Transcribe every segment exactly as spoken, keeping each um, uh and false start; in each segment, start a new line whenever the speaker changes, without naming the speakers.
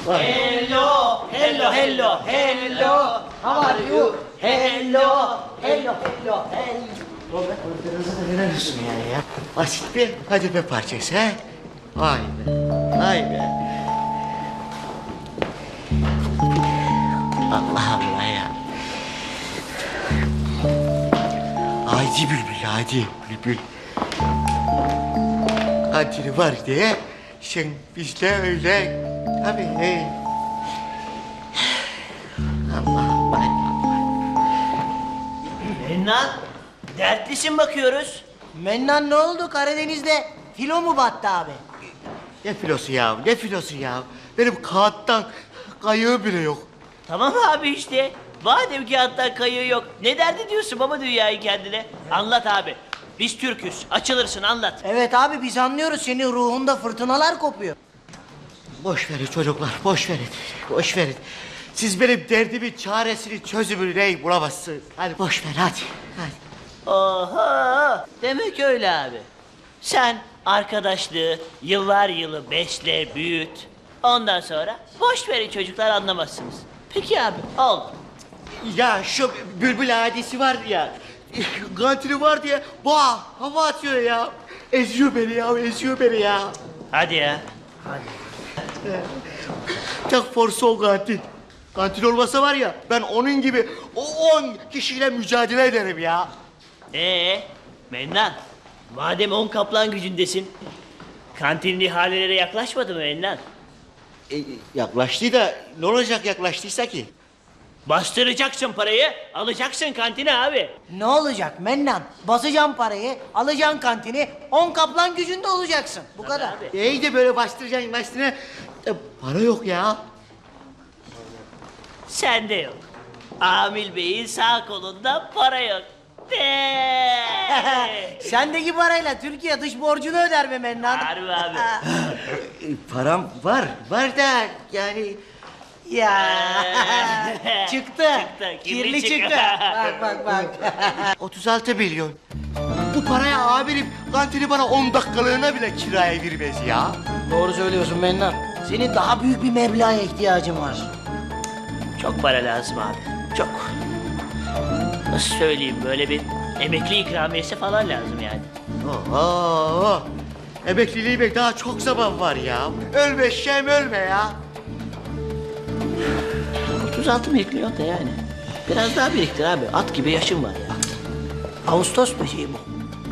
Hello, hello, hello, hello. How are you? Hello, hello, hello, hello.
Oğlum biraz da veriyorsun yani ya. Basit bir hadife parçası ha. Vay be, vay be. Allah Allah ya. Haydi bülbül, haydi bülbül. Kantini var diye sen bizle öyle tabii. He. Allah Allah.
Mennan, dertlisin bakıyoruz.
Mennan ne oldu Karadeniz'de? Filo mu battı abi?
Ne filosu ya, ne filosu ya? Benim kağıttan kayığı bile yok.
Tamam abi işte. Madem ki hatta kayığı yok. Ne derdi diyorsun baba dünyayı kendine? Anlat abi. Biz Türk'üz. Açılırsın anlat.
Evet abi biz anlıyoruz senin ruhunda fırtınalar kopuyor.
Boş verin çocuklar, boş verin, boş verin. Siz benim derdimin çaresini, çözümünü neyi bulamazsınız. Hadi boş ver, hadi, hadi.
Oha! Demek öyle abi. Sen arkadaşlığı yıllar yılı besle, büyüt. Ondan sonra boş verin çocuklar anlamazsınız. Peki abi, oldu.
Ya şu bülbül hadisi var ya, kantini var diye boğa hava atıyor ya. Eziyor beni ya, eziyor beni ya.
Hadi ya.
Tek forsu o kantin. Kantin olmasa var ya, ben onun gibi o on kişiyle mücadele ederim ya.
Ee, Mennan, madem on kaplan gücündesin, kantinin ihalelere yaklaşmadı mı Mennan?
E, yaklaştı da ne olacak yaklaştıysa ki?
Bastıracaksın parayı, alacaksın kantine abi.
Ne olacak Mennan? Basacaksın parayı, alacaksın kantini, on kaplan gücünde olacaksın. Bu kadar.
Abi.
İyi de böyle bastıracaksın üstüne. E, para yok ya.
Sende yok. Amil Bey'in sağ kolunda para yok. De.
Sendeki parayla Türkiye dış borcunu öder be Mennan.
Harbi abi.
E, param var, var da yani...
Ya çıktı.
Çıktı, kirli
Kirli
çıktı.
çıktı. Bak bak bak.
otuz altı milyon. Bu paraya amirim kantini bana on dakikalığına bile kiraya vermez ya.
Doğru söylüyorsun Mennan. Senin daha büyük bir meblağa ihtiyacın var.
Çok para lazım abi. Çok. Nasıl söyleyeyim böyle bir emekli ikramiyesi falan lazım yani.
Oho! Emekliliğime daha çok zaman var ya. Ölme şem ölme ya.
otuz altı milyon da yani. Biraz daha biriktir abi. At gibi yaşım var ya.
Ağustos böceği bu.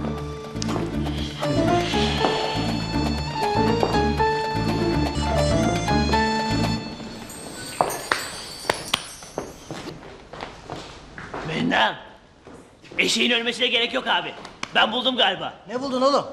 Mennan. Eşeğin ölmesine gerek yok abi. Ben buldum galiba.
Ne buldun oğlum?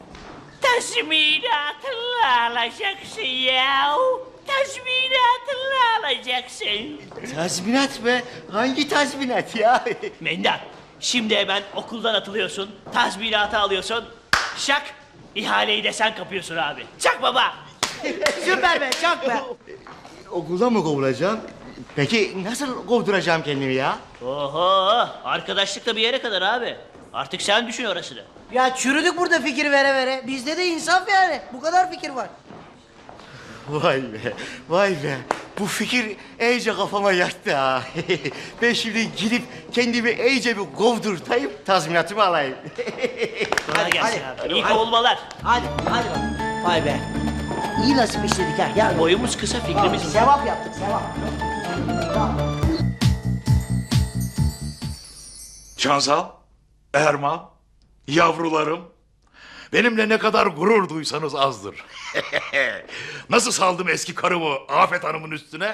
Tazminatını alacaksın ya. Tazminatını alacaksın.
Tazminat mı? Hangi tazminat ya?
Mendan, şimdi hemen okuldan atılıyorsun, tazminatı alıyorsun. Şak, ihaleyi de sen kapıyorsun abi. Çak baba.
Süper be çak be.
Okuldan mı kovulacağım? Peki nasıl kovduracağım kendimi ya?
Oho, arkadaşlık da bir yere kadar abi. Artık sen düşün orasını.
Ya çürüdük burada fikir vere vere. Bizde de insaf yani. Bu kadar fikir var.
Vay be, vay be. Bu fikir iyice kafama yattı ha. Ben şimdi gidip kendimi iyice bir kovdurtayım, tazminatımı alayım.
Kolay gelsin
hadi.
abi. İyi kovulmalar.
Hadi hadi bak. Vay be. İyi nasip işledik ha. Gel.
Boyumuz kısa, fikrimiz uzun.
Sevap yaptık sevap.
Şansal, Erman, yavrularım. Benimle ne kadar gurur duysanız azdır. Nasıl saldım eski karımı Afet Hanım'ın üstüne?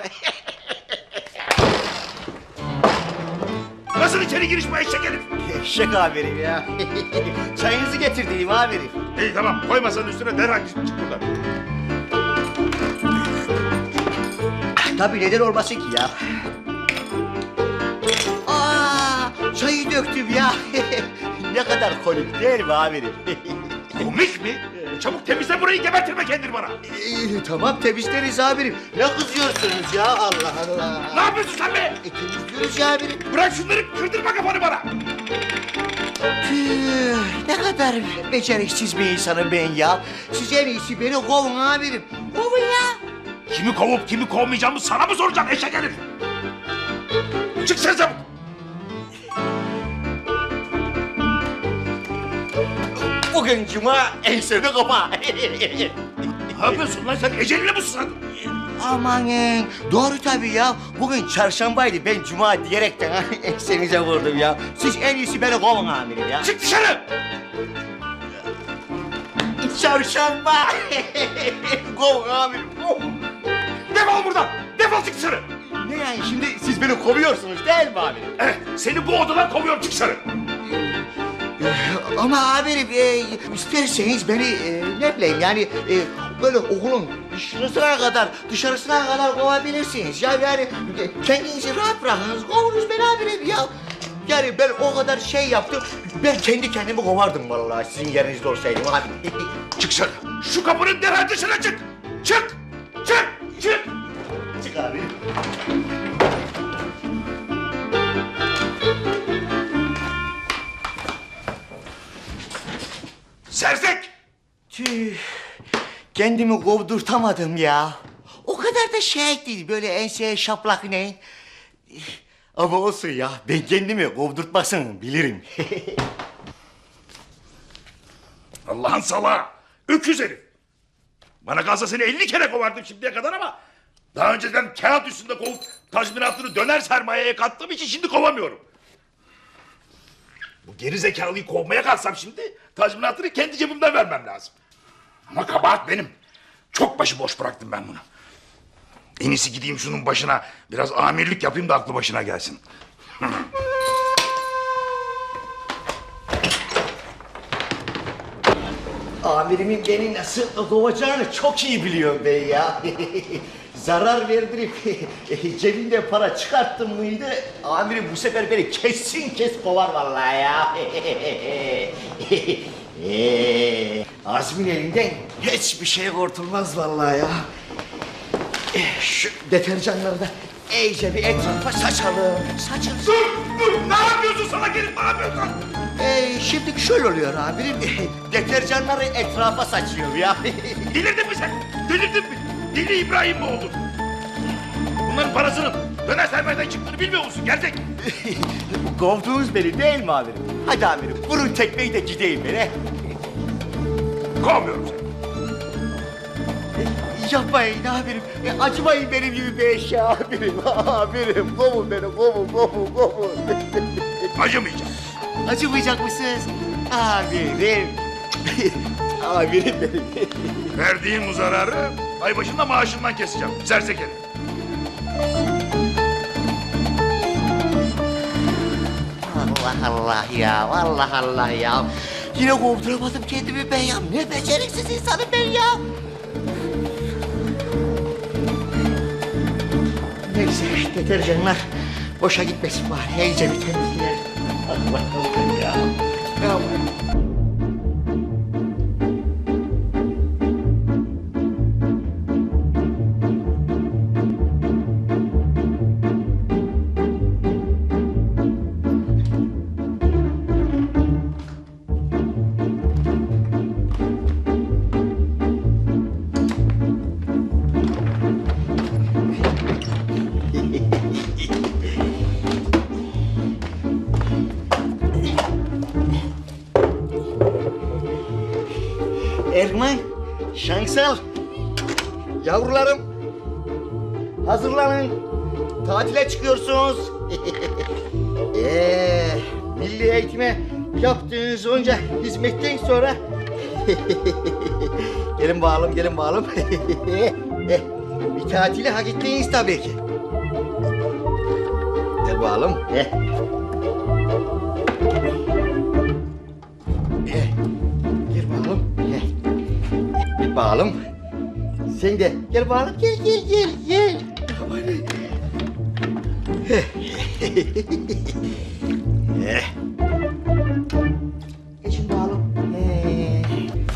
Nasıl içeri giriş bu eşek herif?
Eşek amirim ya. Çayınızı getirdiğim amirim.
İyi tamam, koy masanın üstüne derhal çık buradan.
Tabii neden olmasın ki ya? Aa, çayı döktüm ya. Ne kadar komik değil mi amirim?
Komik mi? Çabuk temizle burayı, gebertirme kendini bana.
Ee, tamam temizleriz amirim. Ne kızıyorsunuz ya Allah Allah.
Ne yapıyorsun sen be?
E, temizliyoruz ya amirim.
Bırak şunları, kırdırma kafanı bana.
Tüh, ne kadar beceriksiz bir insanım ben ya. Siz en iyisi beni kovun amirim. Kovun ya.
Kimi kovup kimi kovmayacağımı sana mı soracağım eşek herif? Çık sen çabuk.
Bugün cuma ensede kapa.
Ne yapıyorsun lan sen? Eceline mi susadın?
Amanın doğru tabii ya. Bugün çarşambaydı, ben cuma diyerekten ha, ensenize vurdum ya. Siz en iyisi beni kovun amirim ya.
Çık dışarı!
Çarşamba. Kovun amirim, kovun.
Defol buradan! Defol çık dışarı!
Ne yani şimdi siz beni kovuyorsunuz değil mi amirim?
Evet, seni bu odadan kovuyorum, çık dışarı!
Ama amirim e, isterseniz beni e, ne bileyim yani e, böyle okulun dışarısına kadar dışarısına kadar kovabilirsiniz. Ya yani e, kendinizi rahat bırakınız, kovunuz beni amirim ya. Yani ben o kadar şey yaptım, ben kendi kendimi kovardım vallahi sizin yerinizde olsaydım abi.
Çık dışarı! Şu kapının derhal dışına çık! Çık! Çık! Çık!
Çık abi.
Sersek!
Tüh, kendimi kovdurtamadım ya. O kadar da şey değil, böyle enseye şaplak ne? Ama olsun ya, ben kendimi kovdurtmasını bilirim.
Allah'ın salağı! Öküz herif! Bana kalsa seni elli kere kovardım şimdiye kadar ama... ...daha önceden kağıt üstünde kovup tazminatını döner sermayeye kattığım için şimdi kovamıyorum. Bu geri zekalıyı kovmaya kalksam şimdi... ...tazminatını kendi cebimden vermem lazım. Ama kabahat benim. Çok başıboş bıraktım ben bunu. En iyisi gideyim şunun başına... ...biraz amirlik yapayım da aklı başına gelsin.
Amirimin beni nasıl kovacağını çok iyi biliyorum ben ya. Zarar verdirip cebimde para çıkarttım mıydı... ...amirim bu sefer beni kesin kes kovar vallahi ya. Ee, Azmin elinden hiçbir şey kurtulmaz vallahi ya. Eh, Şu deterjanları da iyice bir etrafa saçalım. Saçın.
Dur! Dur! Ne yapıyorsun sana gelip ne yapıyorsun?
Ee, şimdi şöyle oluyor amirim. Deterjanları etrafa saçıyor ya.
Delirdin mi sen? Delirdin mi? Deli İbrahim mi oldun? Bunların parasının döner sermayeden çıktığını bilmiyor musun? Gerçek.
Kovdunuz beni değil mi amirim? Hadi amirim vurun tekmeyi de gideyim beni.
Kovmuyorum seni.
Yapmayın amirim. E, acımayın benim gibi bir eşya amirim. Amirim kovun beni kovun kovun kovun.
Acımayacağım.
Acımayacak mısınız? Amirim. Amirim benim.
Verdiğin bu zararı ay başında maaşından keseceğim. Sersek herif.
Allah Allah ya, Allah Allah ya. Yine kovduramadım kendimi ben ya. Ne beceriksiz insanım ben ya. Neyse, deterjanlar boşa gitmesin bari. İyice bir temizleyelim. Hadi bakalım ya. Ya Erman, Şansal, yavrularım, hazırlanın. Tatile çıkıyorsunuz. ee, milli eğitime yaptığınız onca hizmetten sonra... gelin bakalım, gelin bakalım. Eh, bir tatili hak ettiniz tabii ki. Gel bakalım. Eh. Eh. Gel bakalım. Eh. Gel bakalım. Sen de gel bakalım. Gel gel gel gel. Eh. Geçin bakalım. Eh.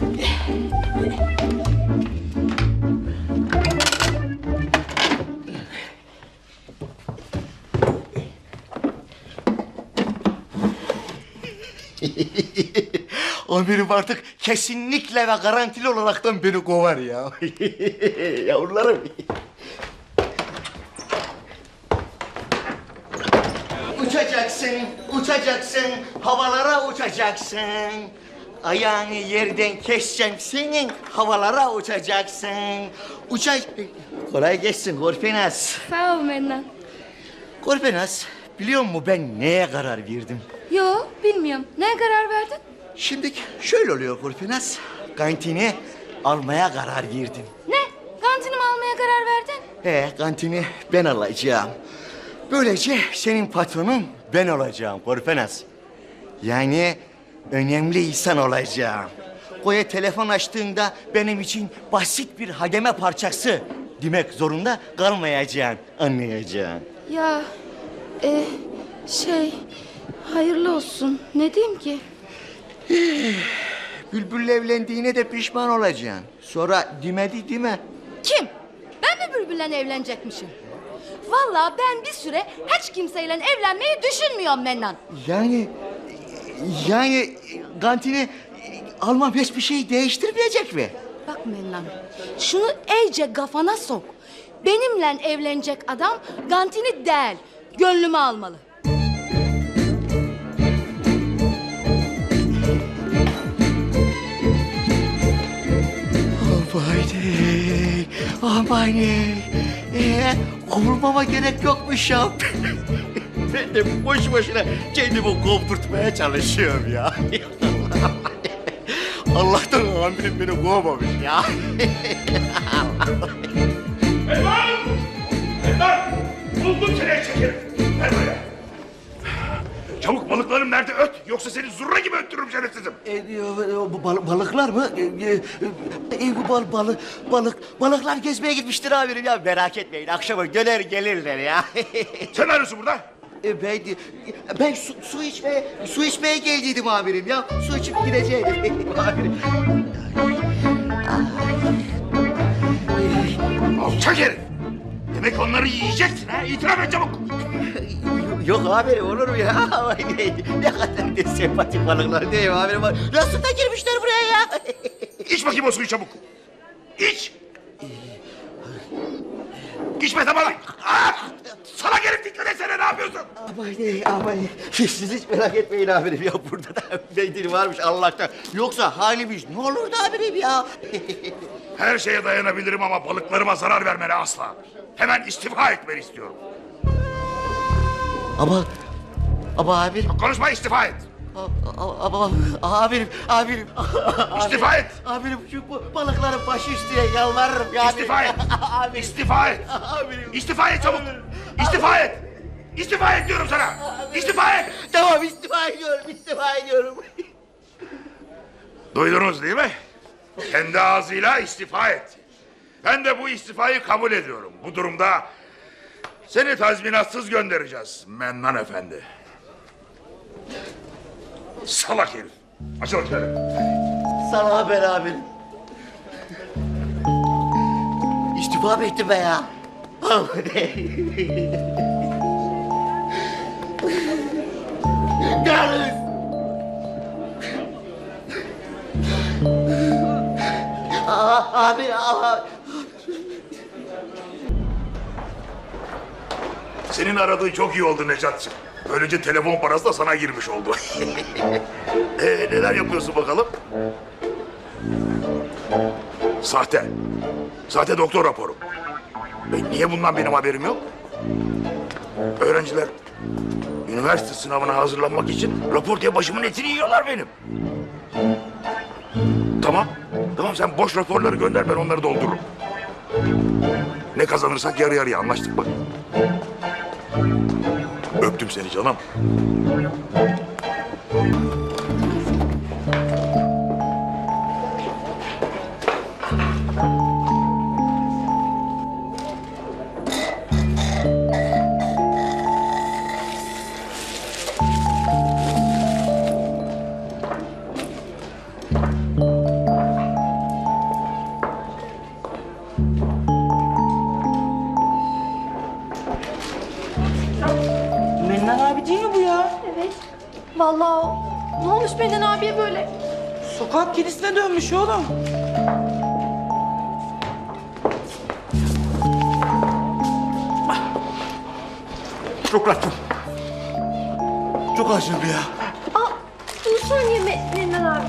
Amirim artık kesinlikle ve garantili olaraktan beni kovar ya. Yavrularım. uçacaksın, uçacaksın, havalara uçacaksın. Ayağını yerden keseceğim senin, havalara uçacaksın. Uça... Kolay gelsin Korpenas.
Sağ ol Mennan.
Korpenas, biliyor musun ben neye karar verdim?
Yo, bilmiyorum. Neye karar verdin?
Şimdi şöyle oluyor Korpenas, kantini almaya karar verdim.
Ne? Kantinimi almaya karar verdin?
He, kantini ben alacağım. Böylece senin patronun ben olacağım Korpenas. Yani önemli insan olacağım. Koya telefon açtığında benim için basit bir hademe parçası demek zorunda kalmayacağım, anlayacaksın.
Ya, e, şey, hayırlı olsun. Ne diyeyim ki?
Bülbül'le evlendiğine de pişman olacaksın. Sonra demedi değil mi?
Kim? Ben mi Bülbül'le evlenecekmişim? Vallahi ben bir süre hiç kimseyle evlenmeyi düşünmüyorum Mennan.
Yani, yani kantini almam hiçbir şey değiştirmeyecek mi?
Bak Mennan, şunu iyice kafana sok. Benimle evlenecek adam Gantini değil, gönlümü almalı.
Amaney, amaney. Ee, kovulmama gerek yokmuş ya. Ben de boş boşuna kendimi kovdurtmaya çalışıyorum ya. Allah'tan amirim beni kovmamış ya.
Elvan! Elvan! Buldum seni çekerim. Ver buraya. Çabuk balıklarım nerede öt? Yoksa seni zurna gibi öttürürüm şerefsizim.
E, e, bu bal- balıklar mı? E, e, e, bu bal, balı, balık, balıklar gezmeye gitmiştir amirim ya. Merak etmeyin, akşama döner gelirler ya.
Sen ne arıyorsun burada?
E, ben, ben su, su içmeye, su içmeye geldiydim amirim ya. Su içip gideceğim amirim.
Alçak herif! Demek onları yiyeceksin ha? İtiraf et çabuk!
Yok amirim, olur mu ya? Vay ne, ne kadar da sempatik balıklar değil mi amirim? Nasıl da girmişler buraya ya?
İç bakayım o suyu çabuk! İç! İçme tamam! Ah! Salak herif dikkat etsene ne yapıyorsun?
Aman ne, aman ne. Siz hiç merak etmeyin amirim ya. Burada da mendil varmış Allah'tan. Yoksa halimiz ne olurdu amirim ya?
Her şeye dayanabilirim ama balıklarıma zarar vermene asla. Hemen istifa etmeni istiyorum.
Ama, ama amirim,
Konuşma istifa et.
a- ama amirim, amirim.
İstifa et.
Amirim şu bu balıkların başı üstüne yalvarırım ya.
İstifa et.
Amirim.
İstifa et.
Amirim.
İstifa et çabuk. İstifa et. İstifa et diyorum sana. İstifa et.
Tamam istifa ediyorum, istifa ediyorum.
Duydunuz değil mi? Kendi ağzıyla istifa et. Ben de bu istifayı kabul ediyorum. Bu durumda seni tazminatsız göndereceğiz Mennan Efendi. Salak herif. Açıl içeri.
Sana haber amirim. İstifa mı ettim be ya? Yalnız. Aa, abi, aa.
Senin aradığın çok iyi oldu Necat'cığım. Böylece telefon parası da sana girmiş oldu. ee, neler yapıyorsun bakalım? Sahte. Sahte doktor raporu. E, niye bundan benim haberim yok? Öğrenciler üniversite sınavına hazırlanmak için rapor diye başımın etini yiyorlar benim. Tamam. Tamam sen boş raporları gönder ben onları doldururum. Ne kazanırsak yarı yarıya anlaştık mı? Öptüm seni canım.
Mennan abi değil mi bu ya?
Evet. Vallahi o. Ne olmuş Mennan abiye böyle?
Sokak kedisine dönmüş oğlum.
Şükrat'ım. çok acım ya.
Aa, dur saniye Me- Mennan abi.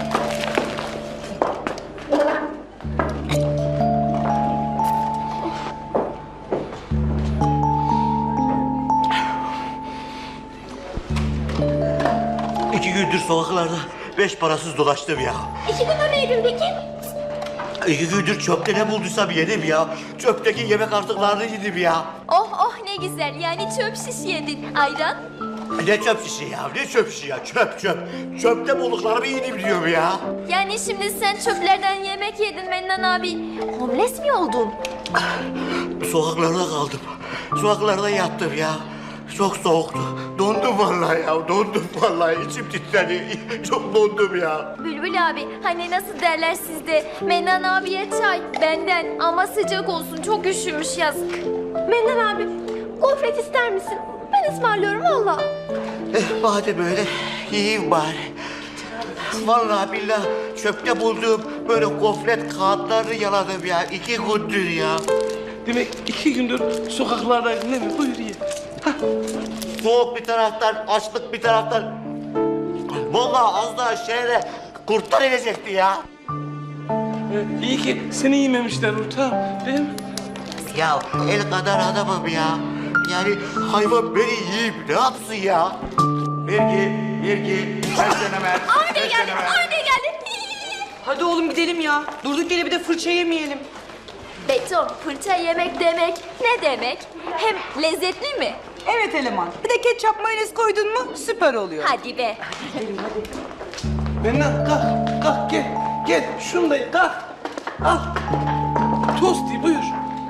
İki gündür sokaklarda beş parasız dolaştım ya.
İki gündür neydin peki?
İki gündür çöpte ne bulduysam yedim ya. Çöpteki yemek artıklarını yedim ya.
Oh oh ne güzel yani çöp şiş yedin. Ayran?
Ne çöp şişi ya, ne çöp şişi ya, çöp çöp. Çöpte bulduklarımı yedim diyorum ya.
Yani şimdi sen çöplerden yemek yedin Mennan abi. Homeless mi oldun?
Sokaklarda kaldım. Sokaklarda yattım ya. Çok soğuktu. Dondum vallahi ya, dondum vallahi. İçim titredi. Çok dondum ya.
Bülbül abi hani nasıl derler sizde? Mennan abiye çay benden ama sıcak olsun çok üşümüş yazık. Mennan abi gofret ister misin? Ben ısmarlıyorum valla.
Eh, madem öyle, yiyeyim bari. Vallahi billahi çöpte bulduğum böyle gofret kağıtlarını yaladım ya. İki gündür ya.
Demek iki gündür sokaklardaydın değil mi? Buyur ye.
Soğuk bir taraftan, açlık bir taraftan. Vallahi az daha şehre kurtlar inecekti ya.
Ee, iyi ki seni yememişler ortağım, değil mi?
Ya el kadar adamım ya. Yani hayvan beni yiyip ne yapsın ya? Vergi, vergi, seslenemer,
Arda geldi, Arda geldi.
Hadi oğlum gidelim ya. Durduk yere bir de fırça yemeyelim.
Beton, fırça yemek demek ne demek? Hem lezzetli mi?
Evet eleman. Bir de ketçap mayonez koydun mu süper oluyor.
Hadi be.
Mennan kalk, kalk gel. Gel, şunu da ye, kalk. Al. Tosti buyur.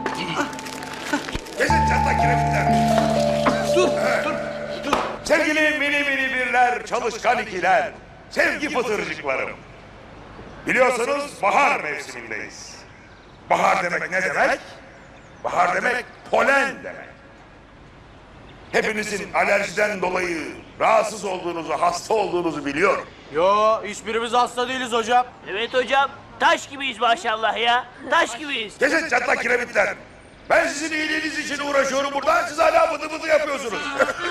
Kesin çatlak kiremitler.
Dur, dur, dur.
Sevgili mini mini birler, çalışkan ikiler, sevgi fıtırcıklarım. Biliyorsunuz bahar mevsimindeyiz. Bahar demek ne demek? Bahar demek polen demek. Hepinizin alerjiden dolayı rahatsız olduğunuzu, hasta olduğunuzu biliyorum.
Yo, hiçbirimiz hasta değiliz hocam.
Evet hocam. Taş gibiyiz maşallah ya. Taş gibiyiz.
Kesin çatlak kiremitler. Ben sizin iyiliğiniz için uğraşıyorum burada, siz hala bıdı bıdı yapıyorsunuz.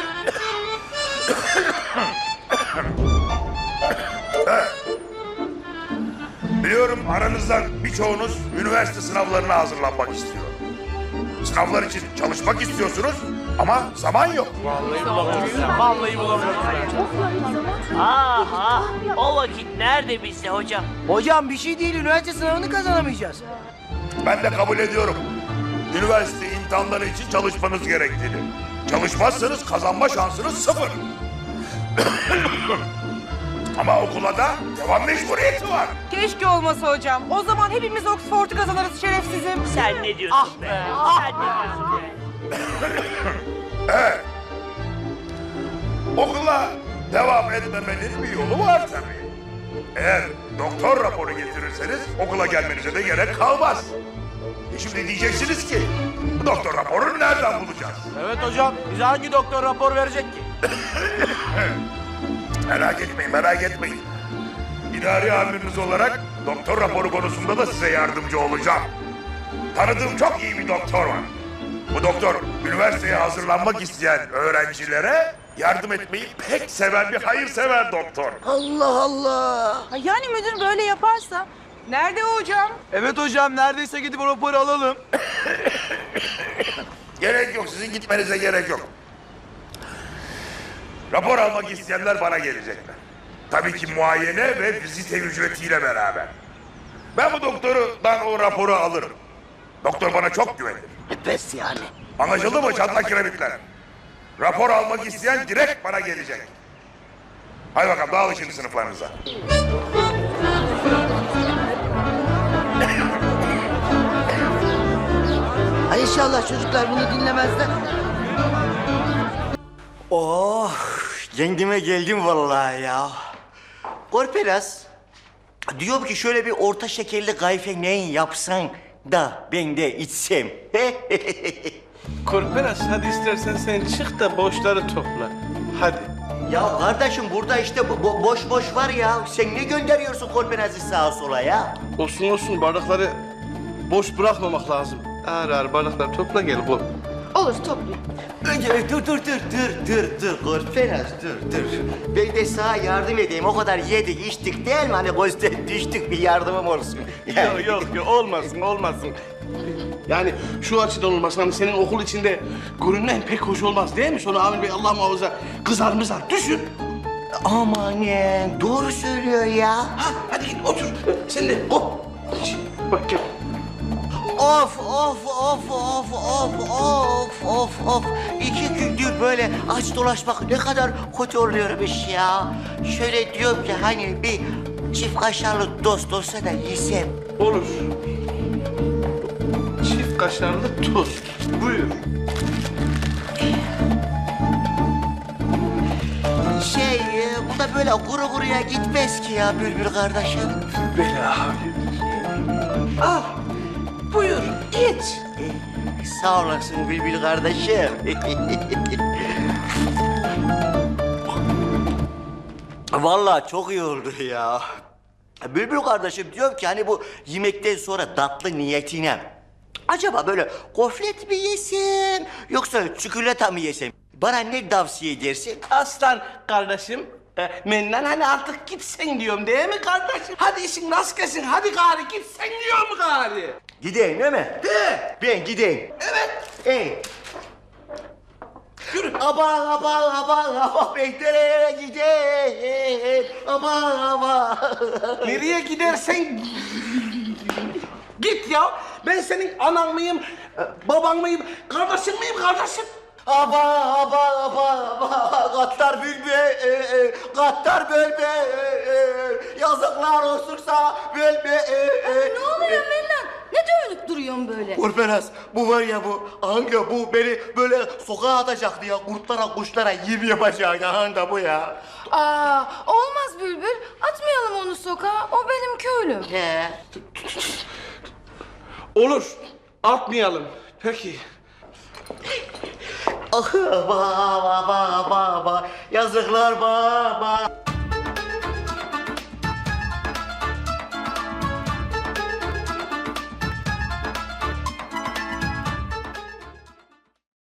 Evet. Biliyorum aranızdan birçoğunuz üniversite sınavlarına hazırlanmak istiyor. Sınavlar için çalışmak istiyorsunuz ama zaman yok.
Vallahi bulamıyoruz ya. Vallahi bulamıyoruz.
Ah ah. O vakit nerede bizde hocam?
Hocam bir şey değil, üniversite sınavını kazanamayacağız.
Ben de kabul ediyorum. Üniversite imtihanları için çalışmanız gerektiğini. Çalışmazsanız kazanma şansınız sıfır. Ama okula da devam mecburiyeti var.
Keşke olmasa hocam. O zaman hepimiz Oxford'u kazanırız şerefsizim.
Sen ne diyorsun be? Sen ne diyorsun be?
Evet. Okula devam etmemenin bir yolu var tabii. Eğer doktor raporu getirirseniz okula gelmenize de gerek kalmaz. E şimdi diyeceksiniz ki bu doktor raporunu nereden bulacağız?
Evet hocam, bize hangi doktor rapor verecek ki?
Merak etmeyin, merak etmeyin. İdari amiriniz olarak doktor raporu konusunda da size yardımcı olacağım. Tanıdığım çok iyi bir doktor var. Bu doktor üniversiteye hazırlanmak isteyen öğrencilere yardım etmeyi pek seven bir hayırsever doktor.
Allah Allah.
Ha, yani müdür böyle yaparsa? Nerede o hocam?
Evet hocam, neredeyse gidip o raporu alalım.
Gerek yok, sizin gitmenize gerek yok. Rapor almak isteyenler bana gelecekler. Tabii ki muayene ve vizite ücretiyle beraber. Ben bu doktordan o raporu alırım. Doktor bana çok güvenir.
Pes yani.
Anlaşıldı mı çatlak kiremitler? Rapor almak isteyen direkt bana gelecek. Hadi bakalım dağılın şimdi sınıflarınıza.
Ay inşallah çocuklar bunu dinlemezler.
Oh, kendime geldim vallahi ya. Korpelas, diyorum ki şöyle bir orta şekerli kayfe neyin yapsan da ben de içsem.
Korpelas hadi istersen sen çık da boşları topla. Hadi.
Ya kardeşim burada işte bo- bo- boş boş var ya. Sen ne gönderiyorsun Korpelas'ı sağa sola ya?
Olsun olsun, bardakları boş bırakmamak lazım. Ağır ağır bardakları topla gel. Bu.
Olur toplayayım.
Önce dur dur dur dur dur dur Korperas dur dur. Ben de sana yardım edeyim. O kadar yedik içtik değil mi? Hani gözden düştük bir yardımım olsun.
Yok yok yok olmasın olmasın. Yani şu açıdan olmasın hani senin okul içinde görünmen pek hoş olmaz değil mi? Sonra Amir Bey Allah muhafaza kızar mızar. Düşün.
Amanın doğru söylüyor ya.
Ha, hadi git otur. Sen de hop. Bak gel.
Of of of of of of of of. İki gündür böyle aç dolaşmak ne kadar kötü oluyormuş ya. Şöyle diyorum ki hani bir çift kaşarlı dost olsa da yesem.
Olur. Çift kaşarlı tost. Buyur.
Şey e, bu da böyle kuru kuruya gitmez ki ya Bülbül kardeşim.
Bela abi. Al. Buyur. İç.
Eh, Sağ olasın Bülbül kardeşim. Vallahi çok iyi oldu ya. Bülbül kardeşim diyorum ki hani bu yemekten sonra tatlı niyetine acaba böyle gofret mi yesem yoksa çikolata mı yesem? Bana ne tavsiye edersin?
Aslan kardeşim. E, Mennan hani artık gitsen diyorum değil mi kardeşim? Hadi işin rast gelsin. Hadi gari gitsen diyor mu gari?
Gideyim değil mi?
De.
Ben gideyim.
Evet.
Ey.
Yürü.
Aman aman aman aman ben nereye gideyim? Aman aman.
Nereye gidersen git ya. Ben senin anan mıyım, e, baban mıyım, kardeşin miyim kardeşim?
Aman aman aman aman. Katlar bülbe, e, e, katlar bölbe, e, e, yazıklar olsun sana bölbe. E, e.
Ne oluyor Mennan? Ne dönüp duruyorsun böyle?
Korperas, bu var ya bu, hangi bu beni böyle sokağa atacaktı ya, kurtlara kuşlara yem yapacak ya, hangi bu ya?
Aa, olmaz Bülbül. Atmayalım onu sokağa. O benim köylüm.
He.
Olur. Atmayalım. Peki.
Ah, baba, baba, baba, yazıklar baba.